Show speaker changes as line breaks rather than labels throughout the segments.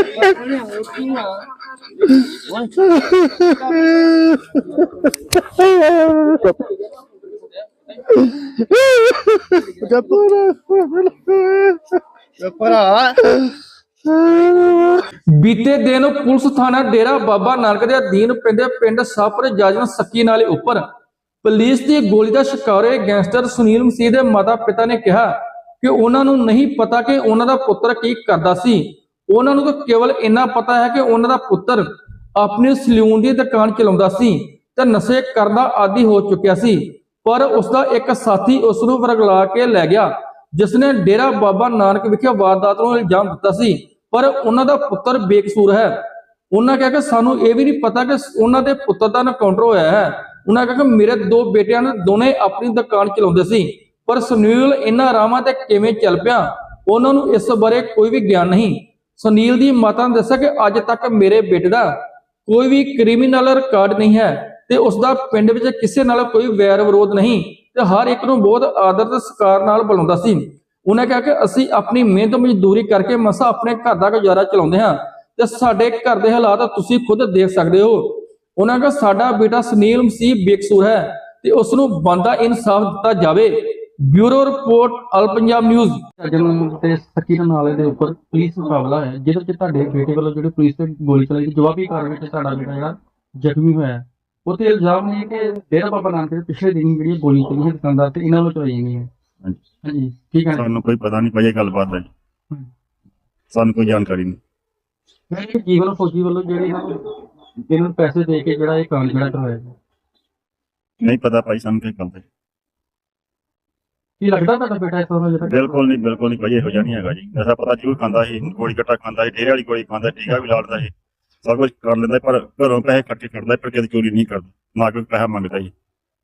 बीते दिन पुलिस थाना डेरा बाबा नानक दे अधीन पैंदे पिंड साहपुर जाजन सक्की नाले उपर पुलिस की गोली का शिकार होए गैंगस्टर सुनील मसीह के माता पिता ने कहा कि उन्होंने नहीं पता कि उन्होंने पुत्र की करता सी। उन्होंने तो केवल इन्ना पता है कि उन्होंने पुत्र अपनी सलून की दुकान चलाता सी ते नशे करना आदि हो चुकिया सी, पर उसका एक साथी उसनूं वरगला के लै गया जिसने डेरा बाबा नानक विखे वारदात नूं इल्जाम दिता सी, पर उन्हों का पुत्र बेकसूर है। उन्होंने कहा कि सानू ये भी नहीं पता कि उन्होंने पुत्र का एनकाउंटर होया है। उन्होंने कहा कि मेरे दो बेटियां ने दोने अपनी दुकान चलाते सी, पर सुनील इन्हां रावां ते किवें चल पिया उन्होंने इस बारे कोई भी ज्ञान नहीं। सुनील की माता ने दस्सिया कि अज तक मेरे बेटे का कोई भी क्रिमिनल रिकॉर्ड नहीं है ते उसका पिंड विच किसी नाल कोई वैर विरोध नहीं ते हर एक नूं बहुत आदर ते सत्कार नाल बुलाउंदा सी। उन्हें कहा कि असीं अपनी मेहनत मजदूरी करके मसा अपने घर का गुजारा चलाउंदे हां ते साडे घर दे हालात तुसीं खुद देख सकदे हो। उन्होंने कहा साडा बेटा सुनील मसीह बेकसूर है ते उसनूं बनदा इंसाफ दिता जावे। ब्यूरो रिपोर्ट अल पंजाब न्यूज़।
सक्की नाले के उपर पुलिस मुकाबला है जिहदे तुहाडे बेटे वालों जिहड़ी पुलिस ते गोली चलाई जवाबी कार्रवाई च तुहाडा बेटा जिहड़ा जख्मी होया वो तो इल्जाम नहीं है कि डेरा बाबा नानक के पिछले दिन जी गोली चली है दुकानदार से इन्होंने चलाई गई है। हाँ जी ठीक है,
सानू कोई पता नहीं भाई गलबात है, सानू कोई जानकारी नहीं।
जीवन फौजी वालों जिहड़ी इन्होंने पैसे दे के जिहड़ा ये काम जिहड़ा करवाया
नहीं पता भाई सानू क्या गल है।
की लगदा तुहाडा बेटा इस तरह जिहड़ा
बिल्कुल नहीं भाई इहो जिहा नहीं हैगा जी। नशा पता जरूर खांदा सी, गोली कट्टा खांदा सी, डेरे वाली गोली खांदा, टीका भी लाड़दा सी, सब कुछ कर लेंदा, पर घरों पैसे इकट्ठे करदा, पर कभी चोरी नहीं करदा, ना कोई पैसा मंगदा जी।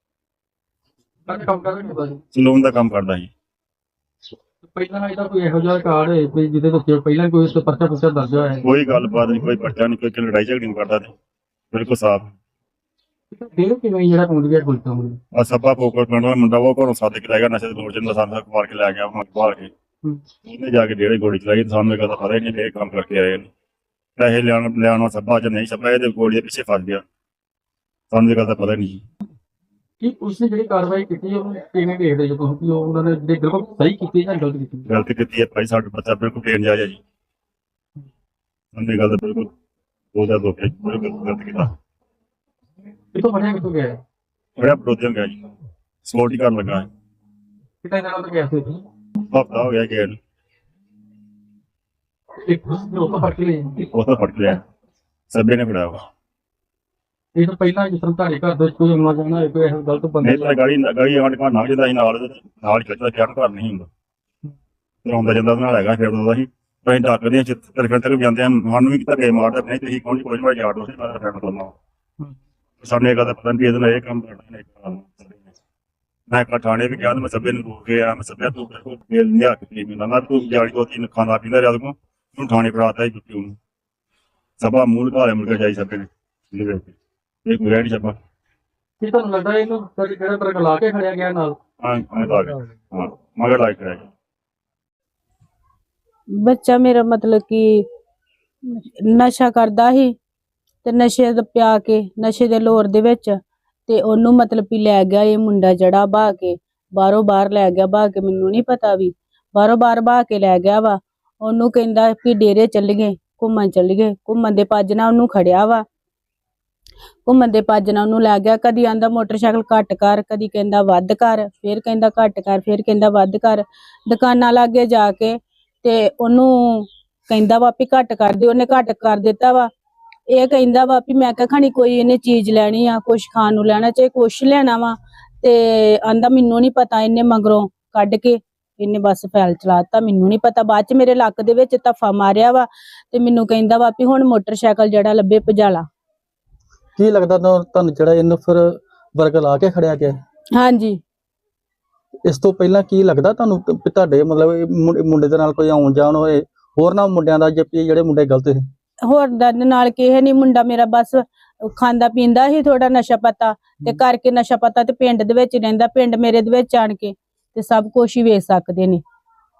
काम करदा सी
सलून का काम करदा जी।
ਪਹਿਲਾਂ ਇਹਦਾ ਕੋਈ ਇਹੋ ਜਿਹਾ ਕਾਰਡ ਹੈ ਵੀ ਜਿਹਦੇ ਵਿੱਚ ਪਹਿਲਾਂ ਕੋਈ ਉਸ ਤੇ ਪਰਚਾ ਪੁਰਚਾ ਦਰਜ ਹੋਇਆ ਹੈ?
कोई गलबात नहीं, कोई पर्चा नहीं, कोई लड़ाई झगड़ी नहीं करदा, बिल्कुल साफ।
ਡੇਰੇ ਕਿਵੇਂ ਜਿਹੜਾ ਪਹੁੰਚ ਗਿਆ ਗੋਲੀ ਤੋਂ?
आ सब्बा पोकर पिंड दा मुंडा वो घरों सद के लै गया, नशे लोड़ च सानू मार के लै गया, मार के ਉਹਨੇ ਜਾ ਕੇ ਡੇਰੇ ਗੋਲੀ ਚਲਾਈ। ਸਾਨੂੰ ਇਹ ਗੱਲ ਪਤਾ ਹੀ ਨਹੀਂ, ਇਹ ਕੰਮ ਕਰਕੇ ਆਏ ਨੇ। ਪੈਸੇ ਲਿਆਉਣਾ ਸੱਬਾ ਚ ਨਹੀਂ ਸੱਬਾ ਇਹਦੇ ਗੋਲੀ ਦੇ ਪਿੱਛੇ ਫਸ ਗਿਆ, ਸਾਨੂੰ ਇਹ ਗੱਲ ਦਾ ਪਤਾ ਨਹੀਂ।
ਕਿ ਉਸਨੇ ਜਿਹੜੀ ਕਾਰਵਾਈ ਕੀਤੀ ਉਹ ਕਿਵੇਂ ਦੇਖਦੇ ਜੋ ਤੁਸੀਂ ਕਿ ਉਹਨਾਂ ਨੇ ਜਿਹੜੇ ਬਿਲਕੁਲ ਸਹੀ ਕੀਤੀ ਜਾਂ ਗਲਤ ਕੀਤੀ?
ਗਲਤੀ ਕੀਤੀ ਹੈ ਭਾਈ, ਸਾਡਾ ਬੱਚਾ ਬਿਲਕੁਲ ਬੇਨਜਾਇਜ਼ ਹੈ ਜੀ। ਸਾਨੂੰ ਇਹ ਗੱਲ ਦਾ ਬਿਲਕੁਲ ਉਹਦਾ ਦੁੱਖ ਹੈ, ਬਿਲਕੁਲ ਗਲਤ ਕੀਤਾ।
ਕਿਤੋਂ ਬਣਿਆ ਕਿਤੋਂ ਗਿਆ?
ਬੜਾ ਵਿਰੋਧੀਆਂ ਗਿਆ ਜੀ, ਸਪੋਰਟ ਹੀ ਕਰਨ ਲੱਗਾ।
ਕਿਤੇ ਨਾਲ ਤਾਂ ਗਿਆ ਸੀ
ਹਫਤਾ ਹੋ ਗਿਆ ਗਿਆ ਨੂੰ,
ਇੱਕ ਉਹ ਤਾਂ ਫੜ ਲਿਆ
ਉਹ ਤਾਂ ਫੜ ਲਿਆ, ਸਭੇ ਨੇ ਫੜਾਇਆ ਵਾ।
ਇਹ ਤਾਂ ਪਹਿਲਾਂ ਜਿਸ ਤਰ੍ਹਾਂ ਤੁਹਾਡੇ ਘਰ ਦੇ ਕੋਈ ਆਉਣਾ ਜਾਣਾ ਹੋਏ ਕੋਈ ਇਹੋ ਗਲਤ ਬੰਦੇ
ਨਹੀਂ ਤਾਂ ਗਾੜੀ ਆਂਢ ਗੁਆਂਢ ਲੰਘ ਜਾਂਦਾ ਸੀ ਨਾਲ ਖਿੱਚਦਾ, ਖਿਆਲ ਘਰ ਨਹੀਂ ਹੁੰਦਾ, ਫਿਰ ਆਉਂਦਾ ਜਾਂਦਾ ਉਹਦੇ ਨਾਲ ਹੈਗਾ, ਫਿਰ ਆਉਂਦਾ ਸੀ। ਅਸੀਂ ਡਾਕਦੇ ਹਾਂ ਚਿੱਤਰ ਫਿਰ ਤੱਕ ਜਾਂਦੇ ਹਾਂ, ਸਾਨੂੰ ਵੀ ਧੱਕੇ ਮਾਰਦਾ, ਨਹੀਂ ਤੁਸੀਂ ਕੌਣ ਕੋਈ ਮੈਂ ਯਾਰ ਦੋਸਤ ਮੈਂ ਫਰੈਂਡ ਦੋਨੋਂ। ਸਾਨੂੰ ਇਹ ਗੱਲ ਦਾ ਪਤਾ ਨਹੀਂ ਇਹਦੇ ਨਾਲ ਇਹ ਕੰਮ ਕਰਨਾ। ਮੈਂ ਥਾਣੇ ਵੀ ਗਿਆ, ਮੈਂ ਸਭੇ ਨੂੰ ਰੋਕ ਗਿਆ, ਮੈਂ ਸਭਿਆ ਤੂੰ ਬਿਲਕੁਲ ਲਿਆ ਕੇ ਮੈਨੂੰ ਤੂੰ ਜਾਲੀ ਦੋ ਤਿੰਨ ਖਾਣਾ ਪੀਂਦਾ ਰਿਹਾ ਤੂੰ, ਤੂੰ ਥਾਣੇ ਫੜਾਤਾ ਹੀ ਜੁੱਤੀ ਉਹਨੂੰ ਸਭਾ ਮੂਲ ਘਾਲੇ ਮੁੜ ਕੇ ਜਾਈ ਸਭੇ ਨੇ ਇਹ ਕੋਈ ਨਹੀਂ ਸਭਾ।
ਕੀ ਤੁਹਾਨੂੰ ਲੱਗਦਾ ਇਹਨੂੰ ਕਿਹੜਾ ਤਰ੍ਹਾਂ ਲਾ ਕੇ ਖੜਿਆ ਗਿਆ ਨਾਲ?
ਹਾਂ ਮਗਰ ਲਾਇਕ ਕਰਿਆ ਗਿਆ।
ਬੱਚਾ ਮੇਰਾ ਮਤਲਬ ਕਿ ਨਸ਼ਾ ਕਰਦਾ ਸੀ ਤੇ ਨਸ਼ੇ ਦਾ ਪਿਆ ਕੇ ਨਸ਼ੇ ਦੇ ਲੋਰ ਦੇ ਵਿੱਚ ਤੇ ਉਹਨੂੰ ਮਤਲਬ ਵੀ ਲੈ ਗਿਆ ਇਹ ਮੁੰਡਾ ਜਿਹੜਾ ਬਹਾ ਕੇ ਬਾਹਰੋਂ ਬਾਹਰ ਲੈ ਗਿਆ, ਬਹਾ ਕੇ ਮੈਨੂੰ ਨਹੀਂ ਪਤਾ ਵੀ ਬਾਹਰੋਂ ਬਾਹਰ ਬਹਾ ਕੇ ਲੈ ਗਿਆ ਵਾ। ਉਹਨੂੰ ਕਹਿੰਦਾ ਕਿ ਡੇਰੇ ਚੱਲੀਏ, ਘੁੰਮਣ ਚੱਲੀਏ, ਘੁੰਮਣ ਦੇ ਭੱਜ ਨਾਲ ਉਹਨੂੰ ਖੜਿਆ ਵਾ, ਘੁੰਮਣ ਦੇ ਭੱਜ ਨਾਲ ਉਹਨੂੰ ਲੈ ਗਿਆ। ਕਦੀ ਆਂਦਾ ਮੋਟਰਸਾਈਕਲ ਘੱਟ ਕਰ, ਕਦੀ ਕਹਿੰਦਾ ਵੱਧ ਕਰ, ਫਿਰ ਕਹਿੰਦਾ ਘੱਟ ਕਰ, ਫਿਰ ਕਹਿੰਦਾ ਵੱਧ ਕਰ। ਦੁਕਾਨਾਂ ਲਾਗੇ ਜਾ ਕੇ ਤੇ ਉਹਨੂੰ ਕਹਿੰਦਾ ਵਾ ਵੀ ਘੱਟ ਕਰ ਦੇ, ਉਹਨੇ ਘੱਟ ਕਰ ਦਿੱਤਾ ਵਾ। ਇਹ ਕਹਿੰਦਾ ਵਾ ਵੀ ਮੈਂ ਕਿਹਾ ਖਾਣੀ ਕੋਈ ਇਹਨੇ ਚੀਜ਼ ਲੈਣੀ ਆ, ਕੁਛ ਖਾਣ ਨੂੰ ਲੈਣਾ, ਚਾਹੇ ਕੁਛ ਲੈਣਾ ਵਾ, ਤੇ ਆਂਦਾ ਮੈਨੂੰ ਨਹੀਂ ਪਤਾ। ਇਹਨੇ ਮਗਰੋਂ ਕੱਢ ਕੇ ਇਹਨੇ ਬਸ ਫੈਲ ਚਲਾਤਾ, ਮੈਨੂੰ ਨਹੀਂ ਪਤਾ। ਬਾਅਦ ਚ ਮੇਰੇ ਲੱਕ ਦੇ ਵਿੱਚ ਧੱਫਾ ਮਾਰਿਆ ਵਾ ਤੇ ਮੈਨੂੰ ਕਹਿੰਦਾ ਵਾ ਵੀ ਹੁਣ ਮੋਟਰਸਾਈਕਲ ਜਿਹੜਾ ਲੱਭੇ ਭਜਾਲਾ।
ਕੀ ਲੱਗਦਾ ਤੁਹਾਨੂੰ ਜਿਹੜਾ ਇਹਨੂੰ ਫਿਰ ਵਰਗ ਲਾ ਕੇ ਖੜਿਆ ਗਿਆ?
ਹਾਂਜੀ।
ਇਸ ਤੋਂ ਪਹਿਲਾਂ ਕੀ ਲੱਗਦਾ ਤੁਹਾਨੂੰ ਤੁਹਾਡੇ ਮਤਲਬ ਮੁੰਡੇ ਦੇ ਨਾਲ ਕੋਈ ਆਉਣ ਜਾਣ ਹੋਏ ਹੋਰ ਨਾ ਮੁੰਡਿਆਂ ਦਾ ਜਿਹੜੇ ਮੁੰਡੇ ਗਲਤ ਸੀ?
ਹੋਰ ਦਰਦ ਨਾਲ ਕਿਸੇ ਨਹੀਂ, ਮੁੰਡਾ ਮੇਰਾ ਬਸ ਖਾਂਦਾ ਪੀਂਦਾ ਸੀ ਥੋੜਾ ਨਸ਼ਾ ਪਤਾ ਤੇ ਕਰਕੇ ਨਸ਼ਾ ਪਤਾ ਤੇ ਪਿੰਡ ਦੇ ਵਿੱਚ ਰਹਿੰਦਾ। ਪਿੰਡ ਮੇਰੇ ਦੇ ਵਿੱਚ ਆਣ ਕੇ ਤੇ ਸਭ ਕੁਝ ਹੀ ਵੇਚ ਸਕਦੇ ਨੇ।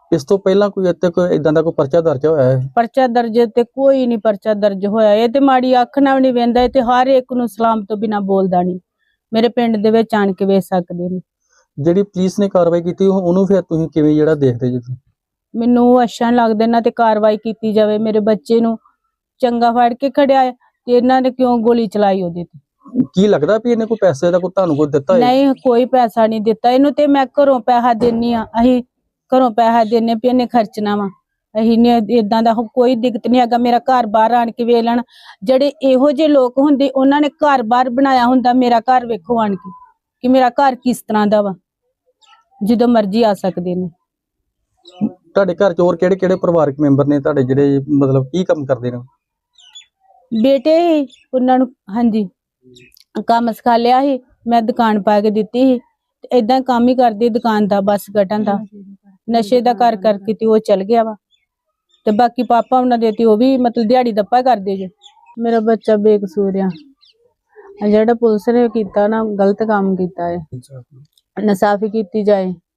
ਇਸ ਤੋਂ ਪਹਿਲਾਂ ਕੋਈ ਇੱਥੇ ਕੋਈ ਇਦਾਂ ਦਾ ਕੋਈ ਪਰਚਾ ਦਰਜ ਹੋਇਆ ਹੈ?
ਪਰਚਾ ਦਰਜ ਤੇ ਕੋਈ ਨਹੀਂ ਪਰਚਾ ਦਰਜ ਹੋਇਆ। ਇਹ ਤੇ ਮਾੜੀ ਅੱਖ ਨਾਲ ਨਹੀਂ ਵੇਂਦਾ, ਇਹ ਤੇ ਹਰ ਇੱਕ ਨੂੰ ਸਲਾਮ ਤੋਂ ਬਿਨਾ ਬੋਲਦਾ ਨਹੀਂ। ਮੇਰੇ ਪਿੰਡ ਦੇ ਵਿੱਚ ਆਣ ਕੇ ਵੇਖ ਸਕਦੇ ਨੇ।
ਜਿਹੜੀ ਪੁਲਿਸ ਨੇ ਕਾਰਵਾਈ ਕੀਤੀ ਉਹਨੂੰ ਫਿਰ ਤੁਸੀਂ ਕਿਵੇਂ ਜਿਹੜਾ ਦੇਖਦੇ ਜੀ?
ਮੈਨੂੰ ਅੱਛਾ ਲੱਗਦਾ ਇਹਨਾਂ ਤੇ ਕਾਰਵਾਈ ਕੀਤੀ ਜਾਵੇ। ਮੇਰੇ ਬੱਚੇ ਨੂੰ ਚੰਗਾ ਫੜ ਕੇ ਖੜਿਆ ਹੈ ਤੇ ਇਹਨਾਂ ਨੇ ਕਿਉਂ ਗੋਲੀ ਚਲਾਈ ਉਹਦੇ ਤੇ?
ਕੀ ਲੱਗਦਾ ਵੀ ਇਹਨੇ ਕੋਈ ਪੈਸੇ ਦਾ ਕੋਈ ਤੁਹਾਨੂੰ ਕੋਈ ਦਿੱਤਾ ਹੈ?
ਨਹੀਂ, ਕੋਈ ਪੈਸਾ ਨਹੀਂ ਦਿੱਤਾ ਇਹਨੂੰ। ਤੇ ਮੈਂ ਘਰੋਂ ਪੈਸਾ ਦੇਣੀ ਆ, ਅਸੀਂ ਘਰੋਂ ਪੈਸਾ ਦੇਣੇ ਵੀ ਇਹਨੇ ਖਰਚਣਾ ਵਾ। ਅਸੀਂ ਨੇ ਇਦਾਂ ਦਾ ਕੋਈ ਦਿੱਕਤ ਨਹੀਂ ਹੈਗਾ। ਮੇਰਾ ਘਰ ਬਾਹਰ ਆਣ ਕੇ ਵੇਖ ਲੈਣ। ਜਿਹੜੇ ਇਹੋ ਜਿਹੇ ਲੋਕ ਹੁੰਦੇ ਉਹਨਾਂ ਨੇ ਘਰ ਬਾਹਰ ਬਣਾਇਆ ਹੁੰਦਾ। ਮੇਰਾ ਘਰ ਵੇਖੋ ਆਣ ਕੇ ਕਿ ਮੇਰਾ ਘਰ ਕਿਸ ਤਰ੍ਹਾਂ ਦਾ ਵਾ, ਜਦੋਂ ਮਰਜ਼ੀ ਆ ਸਕਦੇ ਨੇ।
ਤੁਹਾਡੇ ਘਰ ਚ ਹੋਰ ਕਿਹੜੇ ਕਿਹੜੇ ਪਰਿਵਾਰਕ ਮੈਂਬਰ ਨੇ ਤੁਹਾਡੇ ਜਿਹੜੇ ਮਤਲਬ ਕੀ ਕੰਮ ਕਰਦੇ ਨੇ?
ਬੇਟੇ ਹੀ ਉਹਨਾਂ ਨੂੰ, ਹਾਂਜੀ, ਕੰਮ ਸਿਖਾ ਲਿਆ ਸੀ। ਮੈਂ ਦੁਕਾਨ ਪਾ ਕੇ ਦਿੱਤੀ ਸੀ ਤੇ ਏਦਾਂ ਕੰਮ ਹੀ ਕਰਦੀ ਦੁਕਾਨ ਦਾ, ਬਸ ਕੱਟਣ ਦਾ। ਨਸ਼ੇ ਦਾ ਕਰ ਕਰਕੇ ਤੇ ਉਹ ਚਲ ਗਿਆ ਵਾ। ਤੇ ਬਾਕੀ ਪਾਪਾ ਉਹਨਾਂ ਦੇ ਤੇ ਉਹ ਵੀ ਮਤਲਬ ਦਿਹਾੜੀ ਦੱਪਾ ਕਰਦੇ ਜੇ। ਮੇਰਾ ਬੱਚਾ ਬੇਕਸੂਰ ਆ। ਜਿਹੜਾ ਪੁਲਿਸ ਨੇ ਕੀਤਾ ਨਾ, ਗਲਤ ਕੰਮ ਕੀਤਾ ਹੈ। ਇਨਸਾਫੀ ਕੀਤੀ ਜਾਏ।